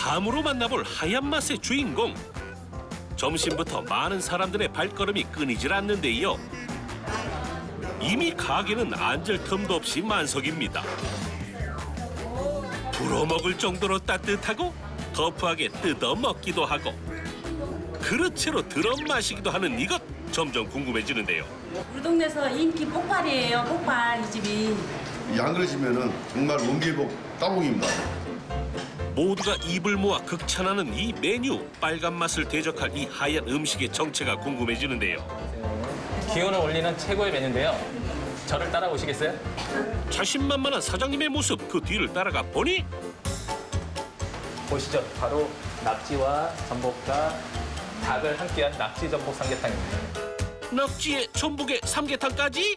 다음으로 만나볼 하얀 맛의 주인공. 점심부터 많은 사람들의 발걸음이 끊이질 않는데요. 이미 가게는 앉을 틈도 없이 만석입니다. 불어먹을 정도로 따뜻하고 터프하게 뜯어 먹기도 하고 그릇채로 들어 마시기도 하는 이것 점점 궁금해지는데요. 우리 동네에서 인기 폭발이에요. 폭발 이 집이. 안 그러시면은 정말 원기복 따봉입니다. 모두가 입을 모아 극찬하는 이 메뉴. 빨간 맛을 대적할 이 하얀 음식의 정체가 궁금해지는데요. 기운을 올리는 최고의 메뉴인데요. 저를 따라오시겠어요? 자신만만한 사장님의 모습, 그 뒤를 따라가 보니 보시죠. 바로 낙지와 전복과 닭을 함께한 낙지 전복 삼계탕입니다. 낙지에 전복에 삼계탕까지?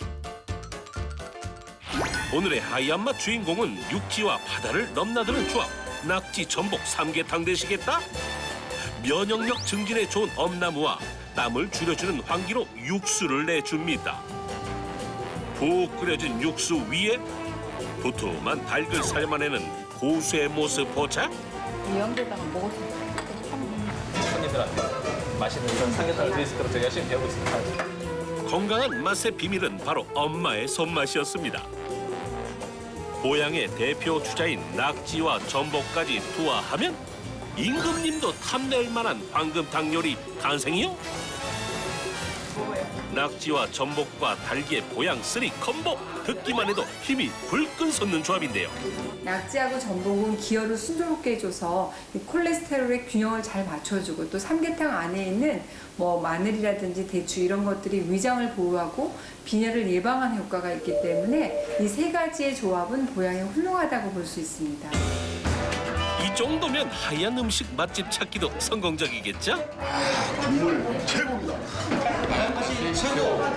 오늘의 하얀 맛 주인공은 육지와 바다를 넘나드는 조합. 낙지 전복 삼계탕 되시겠다? 면역력 증진에 좋은 엄나무와 땀을 줄여주는 황기로 육수를 내줍니다. 푹 끓여진 육수 위에 두툼한 닭을살만 내는 고수의 모습 포착? 이 영도다가 먹었으면 손님들한테 맛있는 그런 삼계탕을 드릴 수 있도록 저희 열심히 배우고 있습니다. 건강한 맛의 비밀은 바로 엄마의 손맛이었습니다. 고향의 대표 주자인 낙지와 전복까지 투하하면 임금님도 탐낼 만한 황금탕 요리 탄생이요? 낙지와 전복과 닭의 보양 3 콤보, 듣기만 해도 힘이 불끈 솟는 조합인데요. 낙지하고 전복은 기혈을 순조롭게 해줘서 이 콜레스테롤의 균형을 잘 맞춰주고 또 삼계탕 안에 있는 뭐 마늘이라든지 대추 이런 것들이 위장을 보호하고 빈혈을 예방하는 효과가 있기 때문에 이 세 가지의 조합은 보양이 훌륭하다고 볼 수 있습니다. 이 정도면 하얀 음식 맛집 찾기도 성공적이겠죠? 국물 최고입니다.